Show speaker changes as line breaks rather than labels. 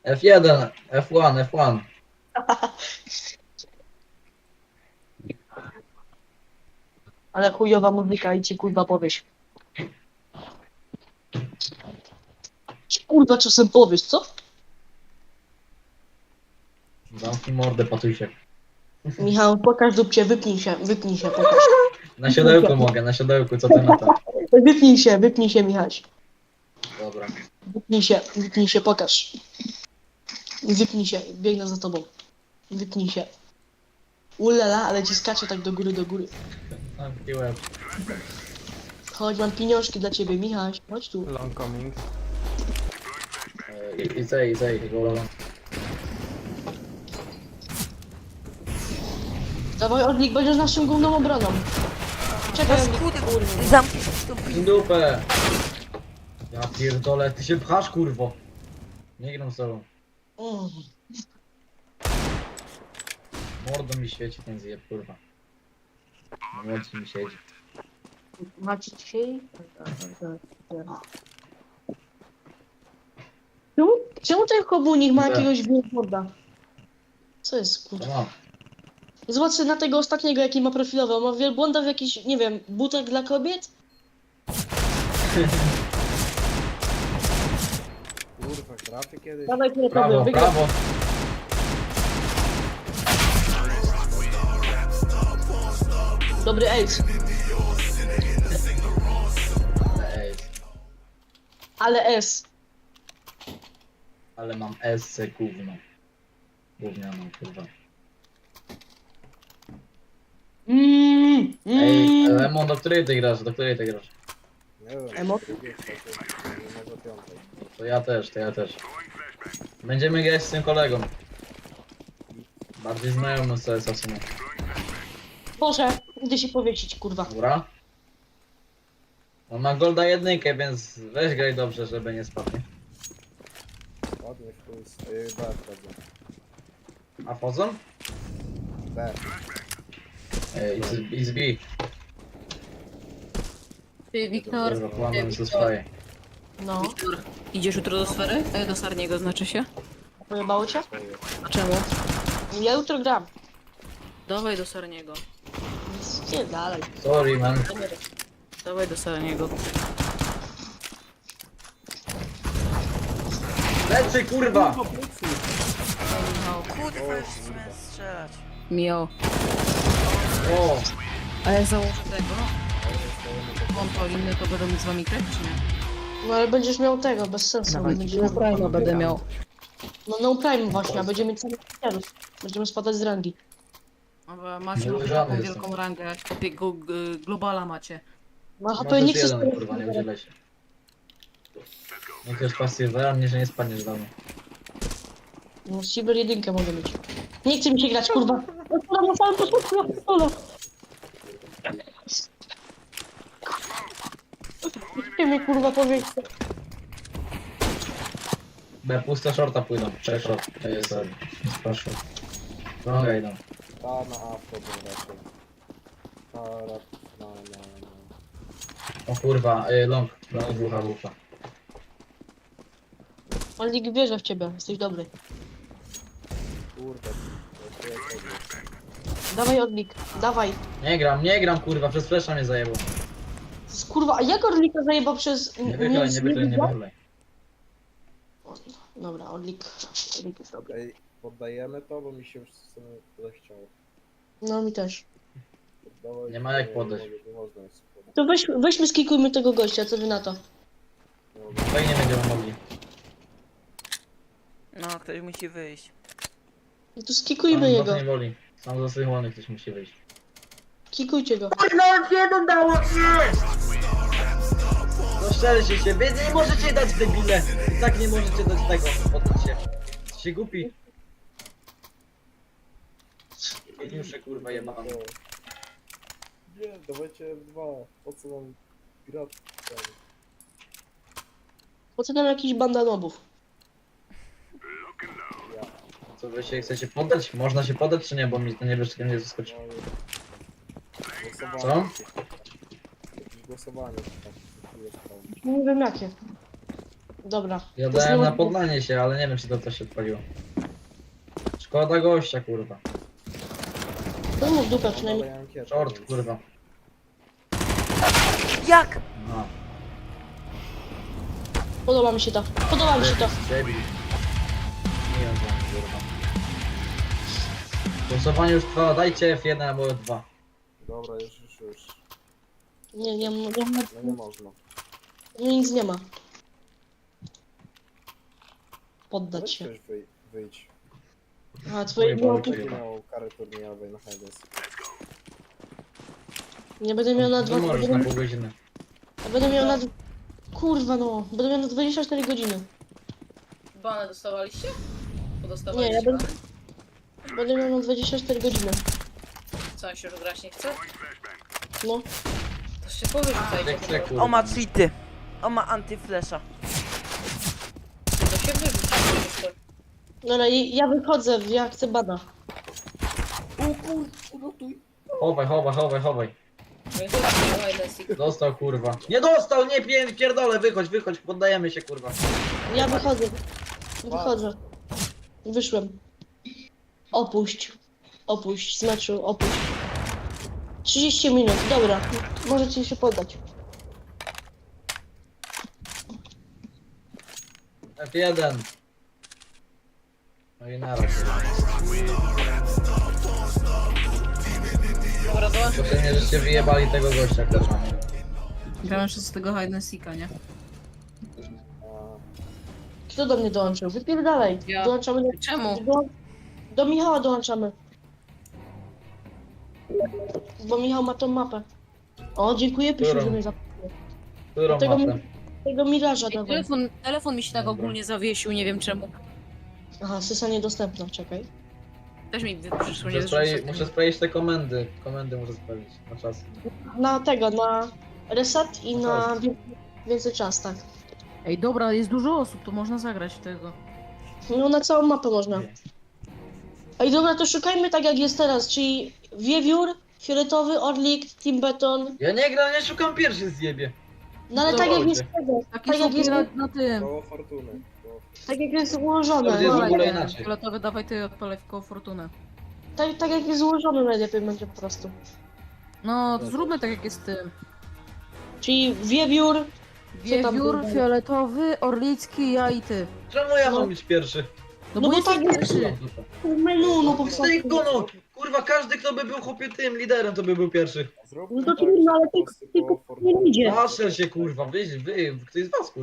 F1, F1, F1.
Ale chujowa muzyka i ci kurwa powiesz. Kurwa czasem powiesz, co?
Zamknij mordę, patusiek.
Michał, pokaż dupcie, wypnij się, pokaż.
Na siodełku mogę, na siodełku, co ty na to?
Wypnij się, Michał.
Dobra.
Wypnij się, pokaż. Wypnij się, biegnę za tobą. Wypnij się. Ulala, ale ci skacze tak do góry, do góry.
Zamknij łeb.
Chodź, mam pieniążki dla ciebie, Michał, chodź tu.
Long coming.
I zej, go.
Dawaj, Orlik, będziesz naszym główną obroną. Czekaj, Orlik.
Zamknij
W dupę. Ja pierdolę, ty się pchasz, kurwo. Nie gram z tobą.
Mm.
Mordo mi świeci ten zjeb, kurwa. Na młodszy mi siedzi.
Macie dzisiaj? Czemu ten komunik ma
Gdzie?
jakiegoś billboarda? Co jest,
To
kurwa?
mam.
Zobacz na tego ostatniego, jaki ma profilowy. On ma wielbłąda w jakiś, nie wiem, butek dla kobiet?
Kurwa, trafię kiedyś.
Dawaj, które
Prawo,
wygrał.
prawo.
Dobry ace.
Ej,
Ale S.
ale mam SC gówno. Gównianą, kurwa. Ej, Lemon, do której ty grasz? Do której ty grasz?
Nie wiem.
Emo?
Drugiej, trzeciej, może piątej.
To ja też. Będziemy grać z tym kolegą. Bardziej znajomy z CS-a w sumie.
Boże, idę się powiesić, kurwa.
Dobra? On ma golda jedynkę, więc weź graj dobrze, żeby nie spadł. Nie?
Ładnie w chuj. B wchodzę.
A wchodzą?
B.
It's B.
Ty, Wiktor,
Kurwa, kłamam, co swoje.
No,
idziesz jutro do sfery? Do Sarniego znaczy się?
pojebało cię?
A czemu?
Ja jutro gram.
Dawaj do Sarniego.
Nie dalej.
Sorry, man.
Dawaj do Sarniego.
Lecy, kurwa!
Kurwa, już chciałem strzelać.
Mio.
O!
A jak założę tego? Konto inne, to będę mógł z wami grać, czy nie?
No ale będziesz miał tego, bez sensu. Będziemy...
Prima będę miał.
No Prime właśnie, a będziemy mieć samych ofiarów. Będziemy spadać z rangi.
A macie
Nie
już
żadny
taką
jestem.
wielką rangę, takiego globala macie.
No a to
Możesz
nie chcesz...
jeden, kurwa, nie udzielę się. Nie chcesz pasywera, mnie, że nie spadniesz do mnie.
No Cyber jedynkę mogę mieć. Nie chce mi się grać, kurwa. Na samym początku, solo. Nie mnie kurwa powiedzieć.
B, puste shorta pójdą. Cześć, short. To jest, proszę. Longa idą.
Ta na A wchodzą raczej. Na.
O kurwa, long wucha.
On lig wierzy w ciebie, jesteś dobry.
Kurde. To jest dobry.
Dawaj Orlik, dawaj.
Nie gram, kurwa, przez flesza mnie zajebał.
Kurwa, a jak Orlika zajebał przez...
Nie wychylaj.
Dobra, Orlik jest dobry.
Ej, poddajemy to, bo mi się już w sumie zechciało.
No mi też.
Poddawać,
Nie ma jak poddać.
Nie można jest poddać.
To weźmy skikujmy tego gościa, co wy na to?
Fajnie będziemy mogli.
No, ktoś musi wyjść.
No to skikujmy
Sam
jego.
nie woli. Sam za swoich wolnych ktoś musi wyjść.
Kikujcie go.
No szczerze się, wy nie możecie dać debile. I tak nie możecie dać tego. Poddać się. Się głupi. Geniusze, kurwa, jebane.
Nie, dawajcie F2. Po co nam grać?
Po co tam jakiś bandanobów?
Ja.
Co wy się chcecie poddać? Można się poddać czy nie? Bo mi to niebieskie nie zaskoczy.
Głosowanie.
Co?
Jakieś głosowanie. Tak, jest tam.
Nie wiem jakie. Dobra.
Ja
To
dałem na
znowu-
podlanie się, ale nie wiem czy to też się odpaliło. Szkoda gościa, kurwa.
To mów dupę
Ale
przynajmniej.
ja mam kietę,
Short,
więc-
kurwa.
Jak?
No.
Podoba mi się to. Podoba mi się to.
Debil. Nie wiem, kurwa. Głosowanie już trwa, dajcie F1 albo F2.
Dobra, już.
Nie,
No nie można.
nic nie ma.
Weź
Poddać się.
ktoś wyjdź.
A twoje
Oj,
było...
Boże.
Nie miał kary turniejowej na Hades.
Nie będę miał na
To możesz na
2...
pół godziny.
Będę miał na... Kurwa no. Będę miał na 24 godziny.
Bane dostawaliście?
Nie,
Podostawaliście
ja będę...
bany?
Będę miał na 24 godziny.
Co, się już grać nie chce?
No.
To się powyrzucajcie.
Jak chce,
po
kurwa.
O ma cheaty. O ma antyflesza.
prostu. To się wyrzuci.
Dobra, ja wychodzę, ja chcę bana.
Chowaj.
No i to jest Wildest.
Dostał, kurwa. Nie dostał, nie pierdolę, wychodź, poddajemy się, kurwa.
Ja wychodzę. Wychodzę. Wyszłem. Opuść z meczu, opuść. 30 minut, dobra. Możecie się poddać.
F1. No i naraz.
Dobra, dołącz.
Potem nie, żeście wyjebali tego gościa, kurwa.
Grałem jeszcze z tego Hide and Seeka, nie?
A,
Kto do mnie dołączył? Wypierdalaj.
Ja.
Dołączamy
Czemu?
do Michała dołączamy. Bo Michał ma tą mapę. O, dziękuję Pysiu,
Którą?
że mnie zapytał.
Którą
Tego,
mapę?
tego Miraża
Ej,
dawaj.
telefon mi się tak
Dobra.
ogólnie zawiesił, nie wiem czemu.
Aha, sysa niedostępna, czekaj.
Też mi przyszło, nie
Muszę sprawdzić te komendy. Komendy muszę sprawdzić na czas.
Na tego, na reset i na
Czas.
więcej czas, tak.
Ej, dobra, jest dużo osób, to można zagrać w tego.
No na całą mapę można. Ej, dobra, to szukajmy tak jak jest teraz, czyli Wiewiór, Fioletowy, Orlik, Team Beton.
Ja nie gram, nie szukam pierwszy zjebie.
No ale
To
tak jak
chodźcie.
jest tego,
Takie
tak
są
jak jest,
na tym.
koło fortuny.
tak jak jest ułożone.
To jest w
No,
ogóle inaczej.
Fioletowy, dawaj ty odpalaj w koło fortunę.
tak jak jest ułożone najlepiej będzie po prostu.
No, to zróbmy tak jak jest z tym.
Czyli Wiewiór, tam
Wiewiór,
było?
fioletowy, orlicki, ja i ty.
Czemu ja
No.
mam być pierwszy?
No
No
bo
bo
jesteś
tak jest.
pierwszy.
menu, no po prostu.
Tylko no, kurwa, każdy kto by był chłopie tym liderem, to by był pierwszy.
Zróbmy
No to
tak,
trudno, ale
że po prostu
tylko
koło
nie
fortuny.
idzie.
Patrzę się, kurwa, ktoś z was, kurwa.